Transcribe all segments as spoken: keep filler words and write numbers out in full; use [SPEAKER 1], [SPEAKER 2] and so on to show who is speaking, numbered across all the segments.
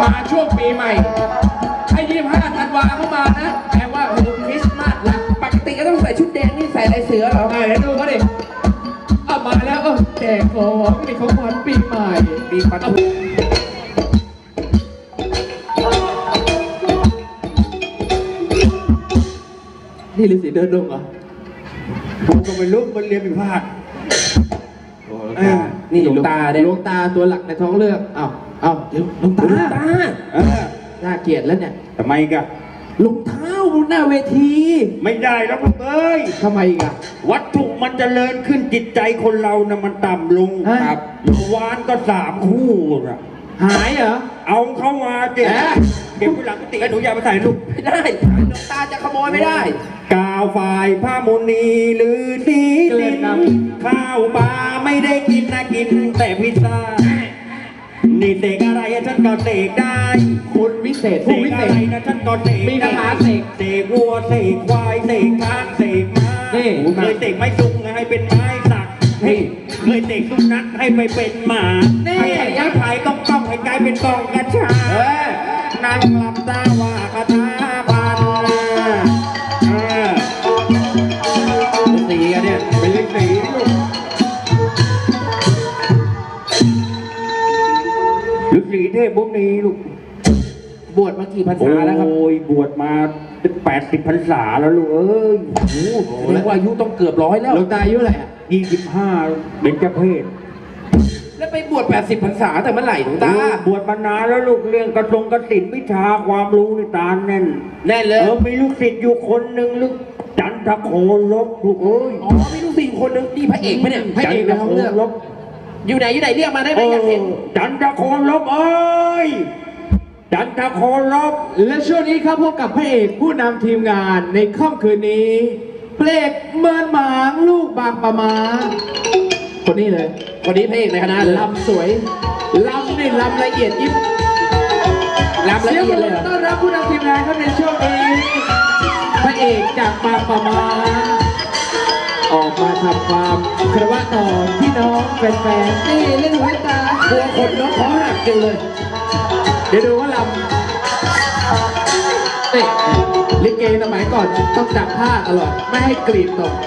[SPEAKER 1] มาช่วงปีใหม่ให้ยี่สิบห้าธันวาเข้ามานะแปลว่าโอ้คริสต์มาสละปกติก็ต้องใส่ชุดแดงนี่ใส่ลายเสือเหรอไงเดี๋ยวดูเขาดิเอามาแล้วเออแจกของมีของขวัญปีใหม่ปีปัดนี่ฤาษีเดินลงเหรอผมก็ไม่รู้มันเรียนผิดพลาดนี่หลวงตาเนี่ยหลวงตาตัวหลักในท้องเรื่องอ้าวอ้าวเดี๋ยวหลวงตาหลวงตาน่าเกลียดแล้วเนี่ย
[SPEAKER 2] ทำไมกะ
[SPEAKER 1] รองเท้าบนหน้าเวที
[SPEAKER 2] ไม่ได้แล้วลูกเอ้ย
[SPEAKER 1] ทำไมกะ
[SPEAKER 2] วัตถุมันจเจริญขึ้นจิตใจคนเรานะมันต่ำลง
[SPEAKER 1] ครับ
[SPEAKER 2] วานก็สามคู่อะ
[SPEAKER 1] หายเหรอ
[SPEAKER 2] เอาเข้ามาเจ็บเก็บไว้หลังติหนูอย่าไปใส่ลูก
[SPEAKER 1] ไม่ได้หลวงตาจะขโมยไม่ได้
[SPEAKER 2] กาวฝ่ายผ้ามณีหรือสีดินข้าวปลาไม่ได้กินนะกินแต่พิซซ่านี่เสกอะไรฉันก็เสกได้
[SPEAKER 1] คุณวิเศษ
[SPEAKER 2] ผู้วิเศษอะไรนะฉันก็เสก
[SPEAKER 1] มีคาถาเสก
[SPEAKER 2] เสกวัวเสกควายเสกช้างเสกม้าเคยเสกไม้จุงให้เป็นไม้สักเคยเสกสุนัขให้ไปเป็นหมาให้ยักษ์ไผ่ต้องต้องให้กลายเป็นกองกระชานางลำตาว่าคาถาพัน
[SPEAKER 1] สีกันเนี่ย
[SPEAKER 2] เป็นฤาษีลูกฤาษีเทพบุญนี้ลูก
[SPEAKER 1] บวชมากี่พรรษาแล้วครับ
[SPEAKER 2] โอ้ยบวชมาแปดสิบพรรษาแล้วลูกเอ้ย
[SPEAKER 1] โอ้โหแสดงว่าอายุต้องเกือบร้อยแล้วหลวงตาอายุอะไรอ่ะ
[SPEAKER 2] ยี่สิบห้าเป็นเจ้าเพศ
[SPEAKER 1] แล้วไปบวชแปดสิบพรรษาแต่เมื่อไหร่หลวงตา
[SPEAKER 2] บวชมานานแล้วลูกเรื่องกระทรงกระสินวิชาความรู้ในตาแน่น
[SPEAKER 1] แน่เลย
[SPEAKER 2] เออมีลูกศิษย์อยู่คนหนึ่งลูกจันทโคลบลูกเอ้ย
[SPEAKER 1] อ๋อมีลูกศิษย์คนหนึ่งนี่พระเอกไหมเนี่ยพระเอกในท้องเรื่องอยู่ไหนอยู่ไหนเรียกมาได้ไหมอยากเห็น
[SPEAKER 2] จันทโคลบเอ้ยจันทโคลบ
[SPEAKER 1] และช่วงนี้ครับพบกับพระเอกผู้นำทีมงานในค่ำคืนนี้เพลงเมินหมางลูกบางปะมาคนนี้เลยคนนี้พระเอกในคณะลำสวยลำนี่ลำละเอียดยิบลำละเอียดเลยต้อนรับผู้นำทีมงานครับในช่วงนี้พระเอกจากบางปะมาออกมาทำความคารวะต่อพี่น้องแฟนๆนี่เล่นหูเล่นตาตัวคนน้องขอหักกันเลยเดี๋ยวดูว่าลำนี่ลิเกสมัยก่อนต้องจับผ้าตลอดไม่ให้กรีดตก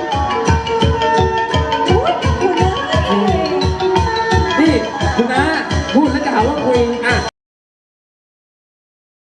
[SPEAKER 1] นี่คุณน้าพูดแล้วจะหาว่าคุยอ่ะ